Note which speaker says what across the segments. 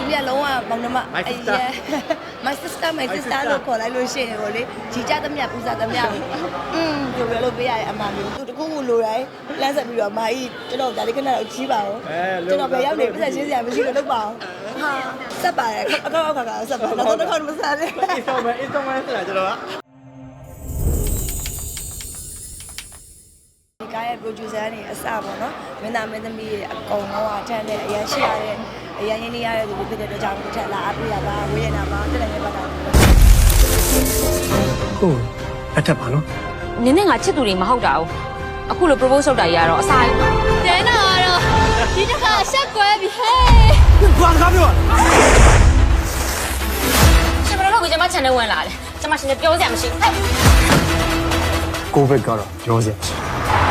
Speaker 1: ပြလုံးဝမောင်နှမ my sister လို့ခေါ်လိုက်လို့ရှိရင်ကိုလေကြီးကြသမျှပူဇော်သမျှကိုပြောလို့ပေးရတဲ့အမှန်မျိုးသူတခုခုလိုတိုင်းလမ်းဆက်ပြီးတော့မာကြီးကျွန်တော်ဒါလေးခဏတော့ကြီးပါဦးကျွန်တော်ပဲရောက်နေပြဿနာရှင်းစရာမရှိလို့လုပ်ပါအောင်ဟာဆက်ပါတယ်အကောက်ခါဆက်ပါတော့တစ်ခါမစားနဲ့
Speaker 2: installment ဆိုတာကျွန်တော်က
Speaker 1: ဒီကားရဲ့ producer တွေအစပေါ့နော်မင်းသားမင်းသမီးတွေအကုန်လုံးအထက်နဲ့အရန်ရှိရတဲ့အရန်ရင်းနေရတဲ့သူတွေဖြစ်တဲ့အတွက်ကြောင့်တစ်ထက်လာအပ်ပြရပါဝေးရနာမှာတက်လည်းပတ်တာ
Speaker 3: ဟုတ်အထက်ပါနော်
Speaker 4: နင်းနဲ့ငါချစ်သူတွေမဟုတ်တာဘူးအခုလို propose လုပ်တာကြီးကတော့အစားကြီးတဲနာတော့ဒီတစ်ခါရှက်ကွဲပြီဟဲ့
Speaker 3: ဘာကားပြော
Speaker 4: ရှင်ဘယ်လိုလုပ်ပြီးကျမ channel ဝင်လာလဲကျမရှင်ပြောစရာမရှိဟဲ့
Speaker 3: ကိုဘက်ကတော့ပြောစရာမရှိ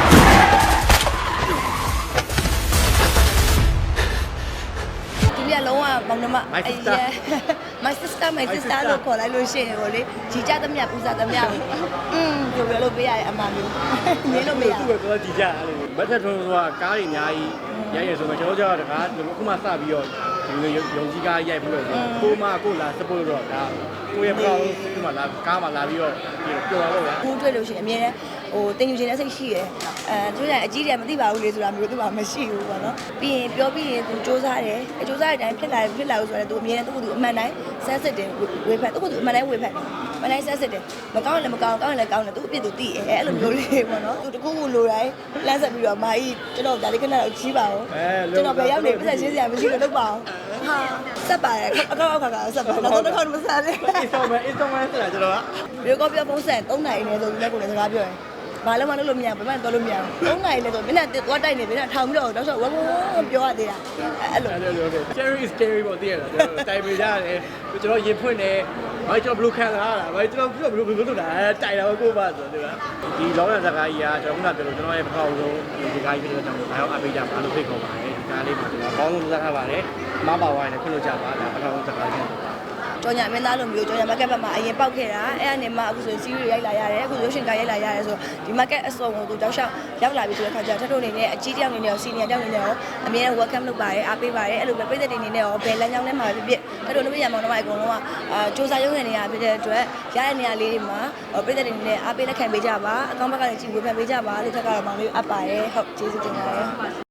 Speaker 1: ဒီပြလုံးဝမောင်နှမ my sister လို့ခေါ်လိုက်လို့ရှိရင်ကိုလေကြီးကြသမျှပူဇော်သမျှကိုပြောလို့ပေးရတဲ့အမှန်မျိုးနင်းလို့မရ
Speaker 2: သူ့ကိုတော့ကြည်ကြအဲ့လိုမက်ထက်ထွန်းဆိုတာကားတွေအများကြီးရိုက်ရဆိုမှကျွန်တော်ကြောက်တကားအခုမှစပြီးတော့ဒီလိုယုံကြည်ကားရိုက်ပြီးတော့ကိုလာ support တော့ဒါကိုရဲ့ပေါ့ဒီမှာလာကားမှာလာပြီးတော့ပြောတာပေါ့ဗျာ
Speaker 1: ကိုတွေ့လို့ရှိရင်အမြဲတမ်းဟိုတင်ယူခြင်းနဲ့စိတ်ရှိတယ်သူကအကြီးတယ်မသိပါဘူးလေဆိုတာမျိုးသူကမရှိဘူးပေါ့နော်ပြီးရင်ပြောပြီးရင်သူစူးစမ်းတယ်စူးစမ်းတဲ့အတိုင်းဖြစ်လာလို့ဆိုတော့သူအမြဲတမ်းသူ့အမှန်တိုင်းဆန်းစစ်တယ်ဝေဖန်သူ့အမှန်တိုင်းဝေဖန်တယ်မနိုင်ဆန်းစစ်တယ်မကောင်းလည်းမကောင်းကောင်းလည်းကောင်းတယ်သူအပြစ်သူသိအဲ့လိုမျိုးလေးပေါ့နော်သူတခုခုလိုတိုင်းလမ်းဆက်ပြီးတော့မာကြီးကျွန်တော်ဒါလေးခဏတော့ကြီးပါဦးကျွန်တော်ပဲရောက်နေပြဿနာရှင်းစရာမရှိလို့လုပ်ပါအောင်ဟာဆက်ပါတယ်အကောက်ခါဆက်ပါတော့တစ်ခါမစားနဲ့
Speaker 2: installment ဆိုတာကျွန်တော်က
Speaker 1: ရေကောပြောပုံစံ3နိုင်နေဆိုပြီးလည်းကိုလည်းစကားပြောတယ်ဘာလို့မလုပ်လို့မရဘူးဘယ်မှတော့လို့မရဘူး3နိုင်လဲဆိုမင်းကသွားတိုက်နေမင်းကထောင်ပြီးတော့တော့ဆိုဝဝပြောရသေးတာအဲ့လို
Speaker 2: Cherry is scary ပေါ့တည်ရတာကျွန်တော်တိုင်ပေးရတယ်ကျွန်တော်ရင်ဖွင့်တယ်ဘာကျွန်တော်ဘလူးခံလာတာဘာကျွန်တော်ဘလူးလုပ်တာတိုင်တာကိုပါဆိုတော့ဒီလောကစကားကြီးကကျွန်တော်ကပြောလို့ကျွန်တော်ရဲ့ပထမဆုံးဒီကားကြီးဖြစ်တဲ့ကြောင့်ဒါရောအပေးကြပါလို့ဖိတ်ခေါ်ပါတယ်ဒီကားလေးမှာကျွန်တော်ဘောင်းလုံးစကားပါတယ်မပါဝိုင်းနဲ့ခွင့်လို့ကြပါဒါပထမဆုံးစကားချင်း
Speaker 1: ကြော်ညာမင်းသားလိုမျိုးကြော်ညာ market ဘက်မှာအရင်ပေါက်ခဲ့တာအဲ့အနေမှာအခုဆို series ရိုက်လာရတယ်အခု rushing ကရိုက်လာရတယ်ဆိုဒီ market အစုံကိုသူတောက်လျှောက်ရောက်လာပြီဆိုတဲ့ခါကျထပ်ထုတ်နေတဲ့အကြီးတယောက်နေနဲ့ရော senior တယောက်နေနဲ့ရောအမြဲတမ်း welcome လုပ်ပါတယ်အားပေးပါတယ်အဲ့လိုပဲပြည်သက်တွေနေနဲ့ရောဘယ်လမ်းကြောင်းထဲမှာဖြစ်ဖြစ်ထပ်ထုတ်လို့ရမောင်နှမအကုန်လုံးကစူးစမ်းရုံးနေရဖြစ်တဲ့အတွက်ရတဲ့နေရာလေးတွေမှာပြည်သက်တွေနေနဲ့အားပေးလက်ခံပေးကြပါအကောင့်ဘက်ကလည်းကြည့်ဝေဖန်ပေးကြပါလို့ထပ်ကတော့မောင်လေးအပ်ပါတယ်ဟုတ်ကျေးဇူးတင်ပါတယ်